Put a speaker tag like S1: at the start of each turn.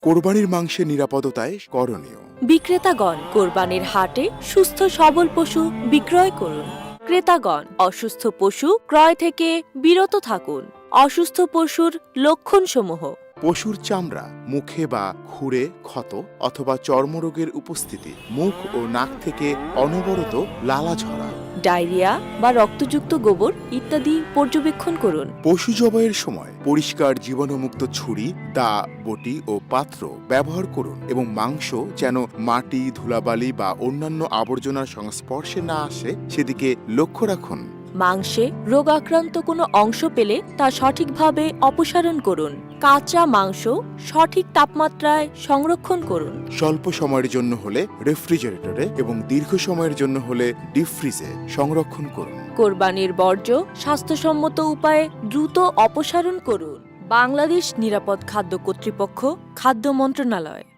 S1: কোরবানির মাংসের নিরাপদতায় করণীয়।
S2: বিক্রেতাগণ কোরবানির হাটে সুস্থ সবল পশু বিক্রয় করুন। ক্রেতাগণ অসুস্থ পশু ক্রয় থেকে বিরত থাকুন। অসুস্থ পশুর লক্ষণসমূহ:
S1: পশুর চামড়া, মুখে বা খুরে ক্ষত অথবা চর্মরোগের উপস্থিতি, মুখ ও নাক থেকে অনবরত লালা ঝরা,
S2: ডায়রিয়া বা রক্তযুক্ত গোবর ইত্যাদি পর্যবেক্ষণ করুন।
S1: পশু জবাইয়ের সময় পরিষ্কার জীবাণুমুক্ত ছুরি, দা, বটি ও পাত্র ব্যবহার করুন এবং মাংস যেন মাটি, ধুলাবালি বা অন্যান্য আবর্জনার সংস্পর্শে না আসে সেদিকে লক্ষ্য রাখুন।
S2: মাংসে রোগাক্রান্ত কোনো অংশ পেলে তা সঠিকভাবে অপসারণ করুন। কাঁচা মাংস সঠিক তাপমাত্রায় সংরক্ষণ করুন।
S1: স্বল্প সময়ের জন্য হলে রেফ্রিজারেটরে এবং দীর্ঘ সময়ের জন্য হলে ডিপ ফ্রিজে সংরক্ষণ করুন।
S2: কোরবানির বর্জ্য স্বাস্থ্যসম্মত উপায়ে দ্রুত অপসারণ করুন। বাংলাদেশ নিরাপদ খাদ্য কর্তৃপক্ষ, খাদ্য মন্ত্রণালয়।